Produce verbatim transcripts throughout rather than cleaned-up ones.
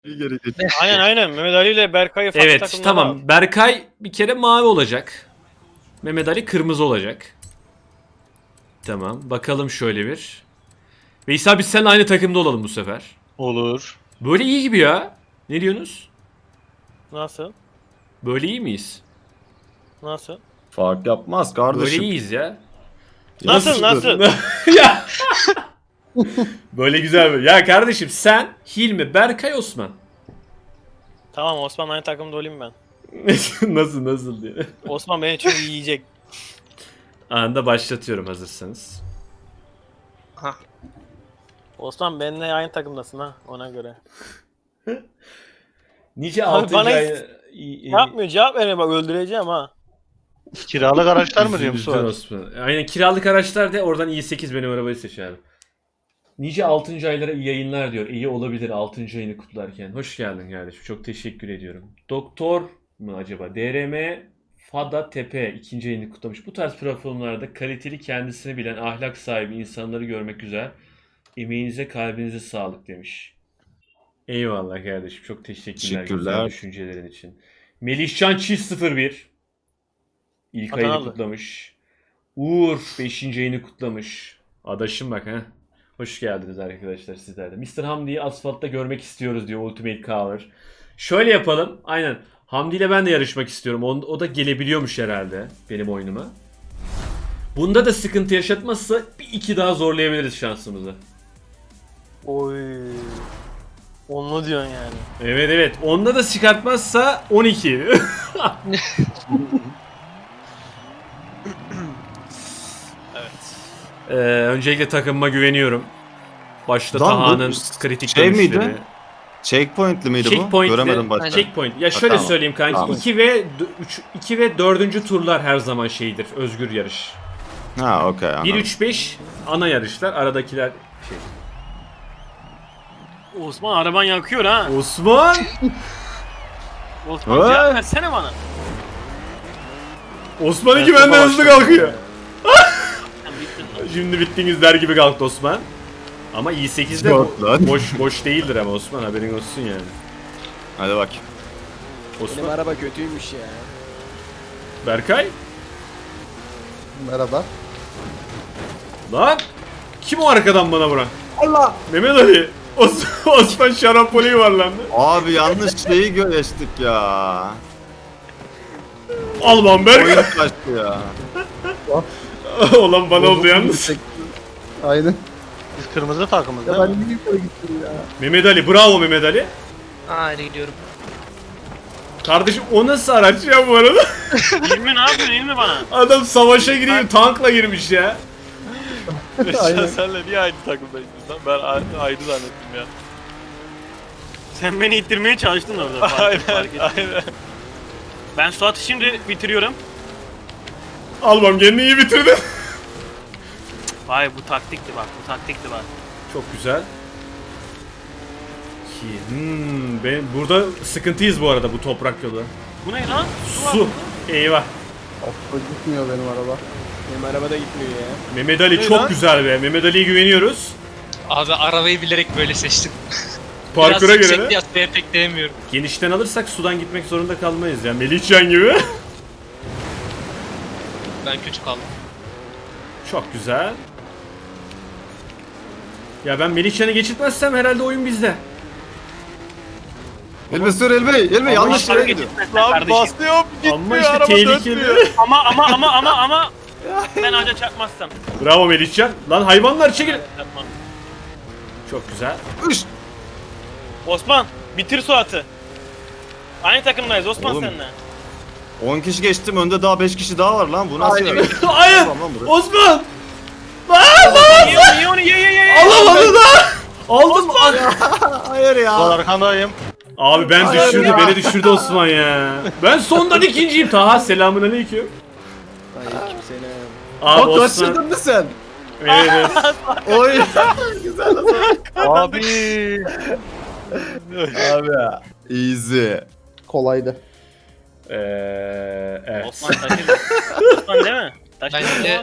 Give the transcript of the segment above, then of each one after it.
Bir geri geç. Aynen aynen. Mehmet Ali ile Berkay'ı farklı Evet takımlara tamam. al. Berkay bir kere mavi olacak. Mehmet Ali kırmızı olacak. Tamam. Bakalım şöyle bir. Veysel biz seninle aynı takımda olalım bu sefer. Olur. Böyle iyi gibi ya. Ne diyorsunuz? Nasıl? Böyle iyi miyiz? Nasıl? Fark yapmaz kardeşim. Böyle iyiyiz ya. Nasıl Nasıldır? nasıl? Ya. Böyle güzel böyle. Ya kardeşim sen, Hilmi, Berkay, Osman. Tamam Osman aynı takımda olayım ben. nasıl nasıl diye. Osman beni çünkü yiyecek. Anında başlatıyorum hazırsanız. Osman benimle aynı takımdasın ha ona göre. Nice Abi altıncı bana ay... Yapmıyor cevap verme bak öldüreceğim ha. Kiralık araçlar mı diyorum Üzüldün Suat? Osman. Aynen kiralık araçlar de oradan i sekiz benim arabayı seç abi. Nice altıncı aylara iyi yayınlar diyor. İyi olabilir altıncı ayını kutlarken. Hoş geldin kardeşim. Çok teşekkür ediyorum. Doktor mu acaba? D R M Fada Tepe ikinci ayını kutlamış. Bu tarz platformlarda kaliteli kendisini bilen ahlak sahibi insanları görmek güzel. Emeğinize kalbinize sağlık demiş. Eyvallah kardeşim. Çok teşekkürler, güzel Teşekkürler. düşüncelerin için. Melihcan Çift sıfır bir İlk ayını Adanalı. kutlamış. Uğur beşinci ayını kutlamış. Adaşım bak ha. Hoş geldiniz arkadaşlar sizler de. mister Hamdi'yi asfaltta görmek istiyoruz diyor Ultimate Cover. Şöyle yapalım. Aynen. Hamdi ile ben de yarışmak istiyorum. O, o da gelebiliyormuş herhalde benim oyunuma. Bunda da sıkıntı yaşatmazsa bir iki daha zorlayabiliriz şansımızı. Oy. Onlu diyorsun yani. Evet evet. Onda da çıkartmazsa on iki. Evet. Ee, öncelikle takımıma güveniyorum. Başta Lan bu Taha'nın kritik şey miydi? dönüşleri. Checkpoint'li miydi bu? Checkpoint'li- Göremedim başta. Checkpoint. Ya Ha, şöyle tamam. söyleyeyim kanki. Tamam. iki ve üç iki ve dördüncü turlar her zaman şeydir. Özgür yarış. Ha okey bir anladım. üç beş ana yarışlar. Aradakiler şey. Osman araban yakıyor ha. Osman! Osman Ha? cevap versene bana. Osman iki Ben benden topa hızlı başladım. kalkıyor. Sen bittin lan. Şimdi bittiniz der gibi kalktı Osman. Ama i sekizde Yok bo- lan. boş boş değildir ama Osman haberin olsun yani. Hadi bak. Benim Osman. araba kötüymüş ya. Berkay? Merhaba. Lan! Kim o arkadan bana vuran? Allah! Mehmet Ali. Os Osman şarampole yuvarlandı. Abi yanlış şeyi geçtik ya. Alman Berkay. Oyun kaçtı ya. Olan bana oldu yalnız. Aynen. Biz kırmızı takımız Ya değil ben mi? niye yukarı gittim ya? Mehmet Ali bravo Mehmet Ali. Hadi gidiyorum. Kardeşim o nasıl araç ya bu arada? İlmi ne yapıyorsun İlmi bana? Adam savaşa giriyor tankla girmiş ya. Aynen. Senle niye aynı takımdayız lan? Ben ayrı zannettim ya. Sen beni ittirmeye çalıştın orada. Fark, aynen aynen. Ben Suat'ı şimdi bitiriyorum. Almam kendini iyi bitirdin. Vay bu taktikti bak bu taktikti bak. Çok güzel. Ki, Hmm, ben burada sıkıntıyız bu arada bu toprak yolu. Bu ne lan? Su. Eyvah. Of, gitmiyor benim araba. Benim araba da gitmiyor ya. Mehmet Ali Ne çok lan? güzel be. Mehmet Ali'ye güveniyoruz. Abi arabayı bilerek böyle seçtim. Parkura Biraz göre yüksek de. diye atmaya pek değmiyorum. Genişten alırsak sudan gitmek zorunda kalmayız ya. Melihcan gibi. Ben kötü kaldım. Çok güzel. Ya ben Melihcan'ı geçirtmezsem herhalde oyun bizde. Elbe sür Elbe. Elbe yanlış işte yere hareket gidiyor. etmezsen kardeşim. basıyorum Ama işte tehlikeli. Ama ama ama ama ama ben ağaca çarpmazsam. Bravo Melihcan. Lan hayvanlar çekil. Çarpmam. Çok güzel. Üş. Osman bitir Suat'ı. Aynı takımdayız Osman Oğlum. seninle. on kişi geçtim önde daha beş kişi daha var lan. Bu nasıl ya? Hayır. Tamam lan buraya. Osman. Ye onu ye onu ye ye ye. ye. Alamadı da. Aldım. Hayır ya. Suat arkandayım. Abi ben Hayır düşürdü. ya. Beni düşürdü Osman ya. Ben sondan ikinciyim. Taha selamun aleyküm. Aleyküm selam. Abi Bak Osman. kaçırdın mı sen? Evet, evet. Oy. Güzel lan. Abi. Abi ya. Easy. Kolaydı. Ee, evet. Osman taşır. Osman değil mi? Taşır Bence- Osman.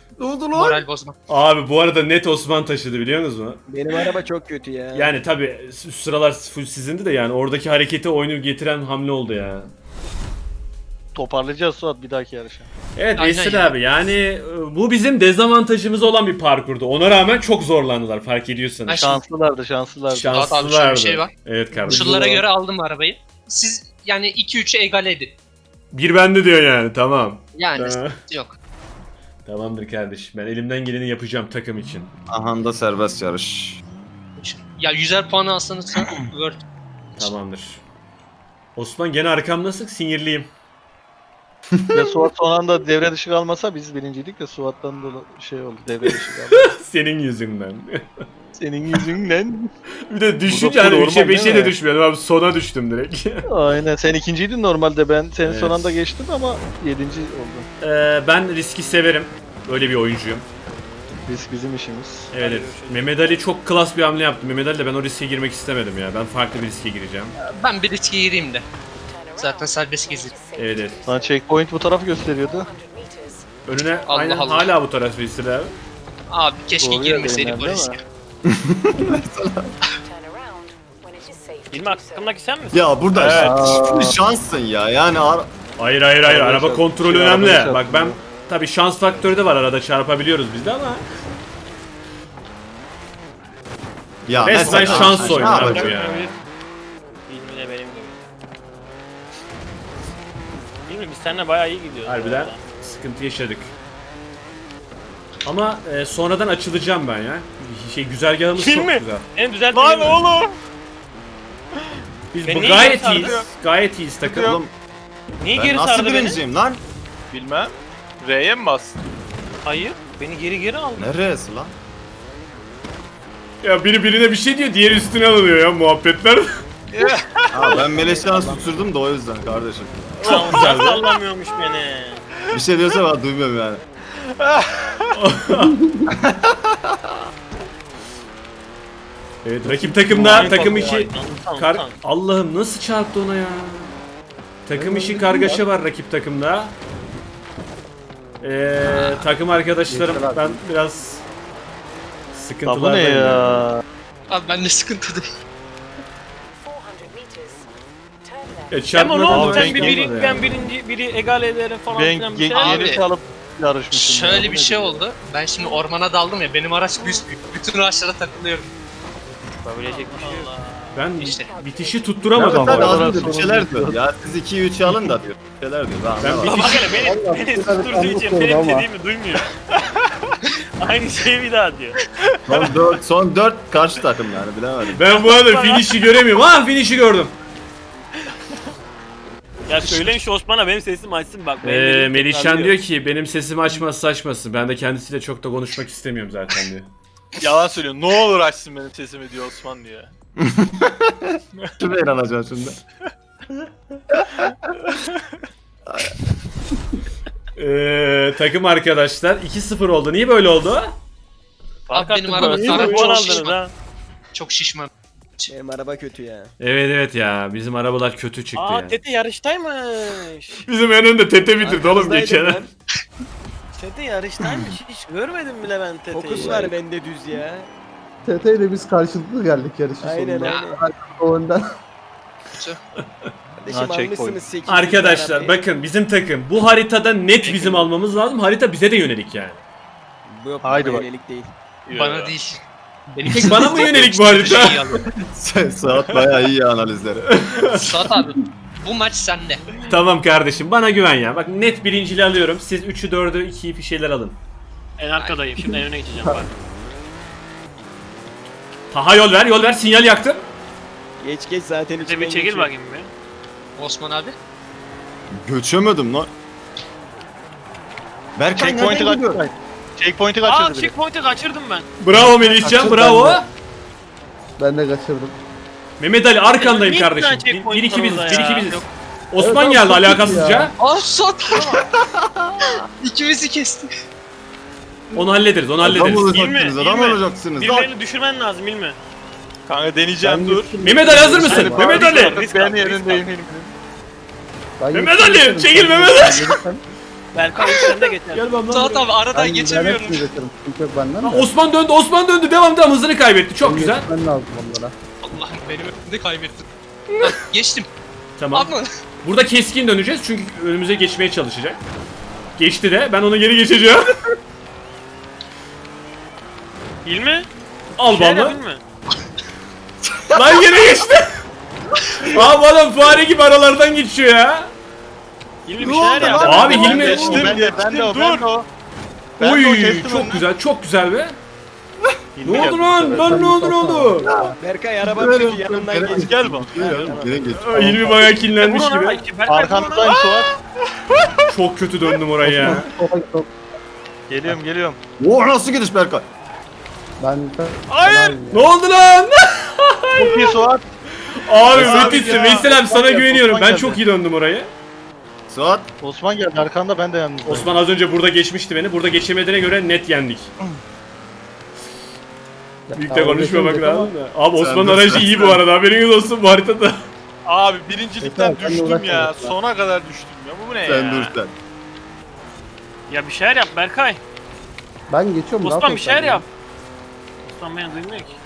Ne oldu lan? Moral bozma. Abi bu arada net Osman taşıdı biliyor musunuz? Benim araba çok kötü ya. Yani tabi sıralar full sizindi de yani oradaki hareketi oyunu getiren hamle oldu ya. Toparlayacağız Suat bir dahaki yarışa. Evet Aynen Veysel ya. abi yani e, bu bizim dezavantajımız olan bir parkurdu. Ona rağmen çok zorlandılar fark ediyorsanız. Ay, Şanslılardı şanslılardı. Şans- abi şöyle bir Şanslılardı. şey var. Evet kardeşim. Koşullara göre aldım arabayı. Siz yani iki üçü egale edin. Bir bende diyor yani tamam. Yani Ha. sıkıntı yok. Tamamdır kardeşim ben elimden geleni yapacağım takım için. Aha da serbest yarış. Ya yüzer puanı alsanız Word. Tamamdır. Osman gene arkamdasın sinirliyim. Ve Suat son anda devre dışı kalmasa biz birinciydik de Suat'tan da şey oldu devre dışı kaldı. Senin yüzünden. Senin yüzünden. Bir de Bu düşünce da hani normal üçe beşe değil de mi? düşmüyordum abi sona düştüm direkt. Aynen sen ikinciydin normalde ben senin Evet. son anda geçtim ama yedinci oldum. Ee, ben riski severim. Öyle bir oyuncuyum. Biz bizim işimiz. Evet, evet. Mehmet Ali çok klas bir hamle yaptı. Mehmet Ali de ben o riske girmek istemedim ya. Ben farklı bir riske gireceğim. Ben bir riske gireyim de. Zaten serbest gezi. Evet evet. Sana checkpoint bu tarafı gösteriyordu. Önüne Allah aynen Allah. hala bu taraf Veysel abi. Abi keşke Doğru ya, girmeseydik benim o değil riske. İlmi aklımdaki sen misin? Ya burada Evet. şimdi şanssın ya. Yani ar- Hayır hayır hayır. Araba Araba çarp- kontrolü şey, önemli. arabayı Bak ben çarptırıyor. tabii şans faktörü de var arada çarpabiliyoruz biz de ama ya resmen mesela- şans Ne oyunu abi bu yapacak? ya. İlmi de benim gibi. İlmi biz seninle bayağı iyi gidiyoruz. Harbiden arada. sıkıntı yaşadık. Ama e, sonradan açılacağım ben ya. Şey güzergahımız Kim çok mi? güzel. En düzeltme Lan değil mi? oğlum. Biz Ben bu niye gayet geri iyiyiz. sardım? Gayet iyiyiz takım. Oğlum Niye ben geri nasıl sardı beni? birinciyim lan? Bilmem. R'ye mi bastın? Hayır. Beni geri geri aldı. Neresi lan? Ya biri birine bir şey diyor, diğeri üstüne alınıyor ya muhabbetler. Ha ben Meleşan'ı susurdum da o yüzden kardeşim. Çok güzel. Sallamıyormuş beni. Bir şey diyorsa ben duymuyorum yani. Evet rakip takımda takım Vay, içi vay, tamam, kar tamam. Allah'ım nasıl çarptı ona ya? Takım içi kargaşa var rakip takımda. Ee, takım arkadaşlarım ben biraz Ya bu ne sıkıntılardayım. ya? Abi ben de sıkıntıdayım. E, Ama çarpmadan ne oldu da sen denk bir gelmedi biri, yani. ben birinci biri egale ederim falan Ben filan bir ge- şey. Abi, geri kalıp yarışmışım. ya. Şöyle Bu bir ne şey diyor? oldu. Ben şimdi ormana daldım ya. Benim araç büyük. Bütün ağaçlara takılıyorum. Yapabilecek bir şey yok. Ben İşte. bitişi tutturamadım. Tabii bu arada. az önce bir şeyler diyor. Ya siz iki üçü alın da diyor. Bir şeyler diyor. Ben, Ben anlamadım. bir- Bak hele beni, Vallahi beni bu kadar susturduğu için anlık benim oldu ama. dediğimi duymuyor. Aynı şeyi bir daha diyor. Son dört, son dört karşı takım yani bilemedim. Ben bu arada finish'i göremiyorum. Ha finish'i gördüm. Ya söyleyin şu Osman'a benim sesim açsın bak. benim Ee, dediğim Melihcan tekrarlıyor. diyor ki benim sesimi açmazsa açmasın. Ben de kendisiyle çok da konuşmak istemiyorum zaten diyor. Yalan söylüyor. Ne olur açsın benim sesimi diyor Osman diyor. Şuraya inanacaksın şimdi. Ee, takım arkadaşlar iki sıfır oldu. Niye böyle oldu? Fark Abi benim attık araba böyle. sana Yirmi çok puan aldınız şişman. ha. Çok şişman. Benim araba kötü ya. Evet evet ya bizim arabalar kötü çıktı Aa ya. Tete yarıştaymış. Bizim en önde Tete bitirdi oğlum Arkanızdaydım geçen. ben. Tete yarıştaymış. Hiç görmedim bile ben Tete'yi. Fokus var bende düz ya. T T ile biz karşılıklı geldik yarışın Aynen sonunda. aynen. O önden. Kardeşim Ha, checkpoint. almışsınız sekiz. Arkadaşlar bakın bizim takım bu haritada net bizim almamız lazım. Harita bize de yönelik yani. Bu yok Haydi bana bak. yönelik değil. Bana değil. Benim Tek bana mı yönelik bu harita? Şey alıyor. Saat bayağı iyi ya analizleri. Suat abi bu maç sende. Tamam kardeşim bana güven ya. Bak net birinciliği alıyorum. Siz üçü dördü ikiyi bir şeyler alın. En arkadayım. Şimdi en öne geçeceğim bak. Taha yol ver yol ver sinyal yaktım. Geç geç zaten Tete içinden bir çekil geçiyor. bakayım bir. Osman abi. Göçemedim lan. Berkay Checkpoint'i nereden gidiyor? kaçırdı. Checkpoint'i Aa kaçırdı biri. checkpoint'i kaçırdım ben. Bravo Melihcan Kaçır bravo. ben de. Ben de kaçırdım. Mehmet Ali arkandayım Niye kardeşim. bir tane Bir, checkpoint bir iki var biziz orada bir ya? iki biziz. Yok. Osman Evet, geldi çok kötü alakasızca. ya. Aa Suat. İkimizi kesti. Onu hallederiz onu Adam hallederiz. olacaksınız, adam İlmi. olacaksınız. Lan. Birilerini düşürmen lazım İlmi. Kanka deneyeceğim Ben dur. gittim. Mehmet Ali hazır mısın? Hadi, Mehmet bak, Ali. risk Ben al, risk yerindeyim. Ben Mehmet gittim. Ali, çekil Mehmet Ali. Berkay sen de geçer. Gel bana. Suat abi aradan Ben geçemiyorum. direkt geçerim. Çünkü yok benden Ha, de. Osman döndü, Osman döndü. Devam devam, hızını kaybetti. Çok Benim güzel. geçmem lazım onlara. Allah'ım benim önümde kaybettim. Hah, geçtim. Tamam. Ama Burada keskin döneceğiz çünkü önümüze geçmeye çalışacak. Geçti de, ben ona geri geçeceğim. Hilmi? Al Şeyler bana. Hilmi. Lan geri geçti. Abi adam fare gibi aralardan geçiyor ya. Hilmi bir şeyler yap. Abi Hilmi. Geçtim, ben de, ben de o, ben de o. Ben de o Oy kestim çok önünü. güzel, çok güzel be. Hilmi Ne oldu geldi. lan? Lan ne oldu ne oldu? Berkay araba kötü yanından geç. Gel bak. Geri geç. Aa, Hilmi bayağı kinlenmiş Vurun gibi. ona, Berkay Arkandayım Suat. Çok kötü döndüm oraya ya. Sola git, sola. Geliyorum geliyorum. Oo nasıl gidiş Berkay? Ben Hayır. Ne oldu lan? Çok iyi Suat. Abi Abi müthişsin. ya. Veysel abi sana Osman güveniyorum. geldi. Ben çok iyi döndüm orayı. Suat. Osman geldi arkanda, ben de yalnız. Osman az önce burada geçmişti beni. Burada geçemediğine göre net yendik. Büyük de konuşmamak lazım da. Abi Osman'ın dur, aracı sen- iyi bu arada. Haberiniz olsun bu haritada. Abi birincilikten Yeter, sen de düştüm uğraşma ya. ya. Sona kadar düştüm ya. Bu ne Sen ya? dur sen. Ya bir şeyler yap Berkay. Ben geçiyorum. Osman rahat bir ol şeyler sen. yap. Osman beni duymuyor ki.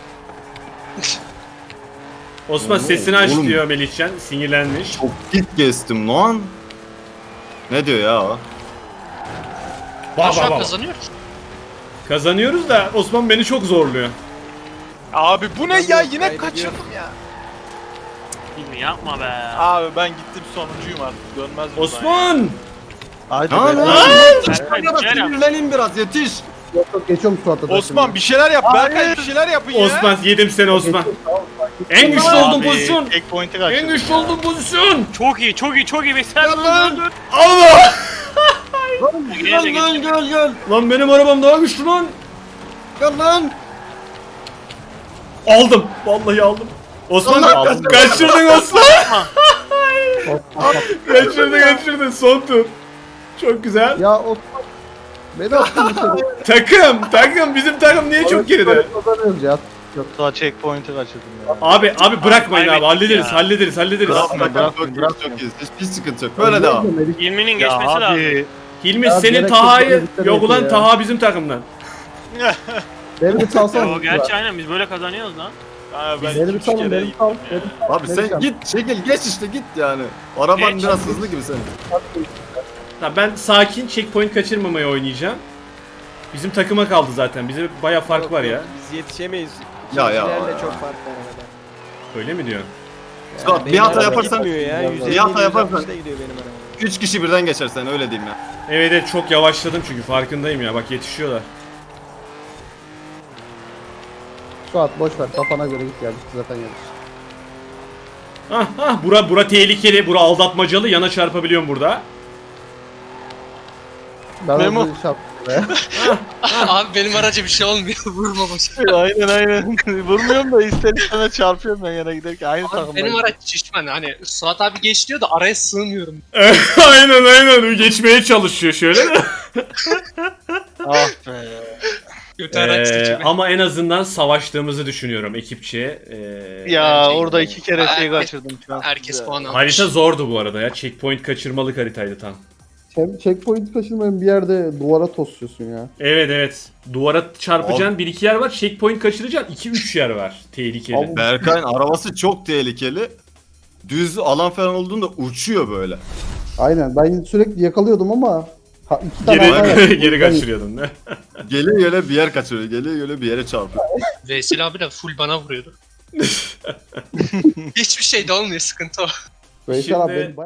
Osman Oğlum, sesini aç oğlum. diyor Melihcan. Sinirlenmiş. Çok git geçtim lan. Ne diyor ya o? Bak şu bak an bak. kazanıyoruz. Kazanıyoruz da Osman beni çok zorluyor. Abi bu ne ya? Yine Kaybediyor. kaçırdım ya. Hilmi yapma be. Abi ben gittim sonuncuyum artık. Dönmez buradan ya. Osman! Haydi Ne be. lan? Berkay bir şeyler yap. Sinirleneyim biraz yetiş. Yok yok geçiyorum Suat'a da Osman şimdi. bir şeyler yap. Berkay bir şeyler yapın ya. Osman yedim seni Osman. Geçiyorum, tamam, sakin. En güçlü Abi, olduğum pozisyon. Checkpoint'i En kaçırdım. güçlü olduğum pozisyon. Çok iyi, çok iyi, çok iyi. Veysel Gel dur lan. dur dur. Allah! Gel Gel, gel gel gel. Lan benim arabam daha güçlü lan. Gel lan. Aldım. Vallahi aldım. Osman Allah aldım. kaçırdın. Kaçırdın Osman. Osman, kaçırdın kaçırdın. Son tur. Çok güzel. ya Osman. Beni attın dışarı. Takım. Takım. Bizim takım niye çok geride? Kazanıyoruz ya. Yok. Suat checkpoint'i kaçırdım ya. Abi abi bırakmayın abi. kaybettik Hallederiz. ya. Hallederiz. Hallederiz. Bırak. Bırak çok iyi çok iyi. Hiçbir sıkıntı yok. Böyle devam. Hilmi'nin Ya geçmesi lazım. abi. Hilmi Ya senin gerek Taha'yı yok, gerek yok yok ulan ya. Taha bizim takımdan. Beni bir salsana. Yo, gerçi aynen biz böyle kazanıyoruz lan. Abi ben Beni bir iki, üç salın, kere beni bir gittim sal. ya. beni bir sal, Abi beni sen sal. git çekil geç işte git yani. Araban Geç. biraz hızlı gibi senin. Ha, ben sakin checkpoint kaçırmamaya oynayacağım. Bizim takıma kaldı zaten. Bize baya fark Yok, var yok, ya. Biz yetişemeyiz. Ya, ya. İkincilerle çok fark var arada. Öyle mi diyor? Suat bir Benim hata araba yaparsan gitmiyor ya. yüz elli, bir hata yüz yaparsan altmışta gidiyor benim araba. üç kişi birden geçersen öyle diyeyim ya. Evet evet çok yavaşladım çünkü farkındayım ya. Bak yetişiyorlar. Suat boş ver kafana göre git ya. Bitti zaten yarış. Ah ah bura bura tehlikeli. Bura aldatmacalı. Yana çarpabiliyorum burada. Ben Memo. Memo. Şap be. Abi benim araca bir şey olmuyor. Vurma başa. Aynen aynen. Vurmuyorum da ister istemez çarpıyorum ben yana giderken. Aynı Abi takımdayız. benim araç şişman. Hani Suat abi geç diyor da araya sığmıyorum. aynen aynen. Geçmeye çalışıyor şöyle. Ah be. Kötü araç Ee, seçimi. ama en azından savaştığımızı düşünüyorum ekipçe. Ee, Ya Bence- orada iki kere şey Herkes- kaçırdım şu an. Herkes puan almış. harita zordu bu arada ya. Checkpoint kaçırmalık haritaydı tam. Check- Checkpoint kaçırmayın bir yerde duvara tosluyorsun ya. Evet evet. Duvara çarpacaksın bir iki yer var. Checkpoint kaçıracaksın iki üç yer var. Tehlikeli. Abi- Berkay'ın arabası çok tehlikeli. Düz alan falan olduğunda uçuyor böyle. Aynen ben sürekli yakalıyordum ama ha, iki tane hata Geri, yaptım. geri kaçırıyordun ne? Geliyor öyle bir yer kaçırıyor. Geliyor öyle bir yere çarpıyor. Veysel abi de full bana vuruyordu. Hiçbir şey de olmuyor, sıkıntı o. Veysel abi Şimdi- benim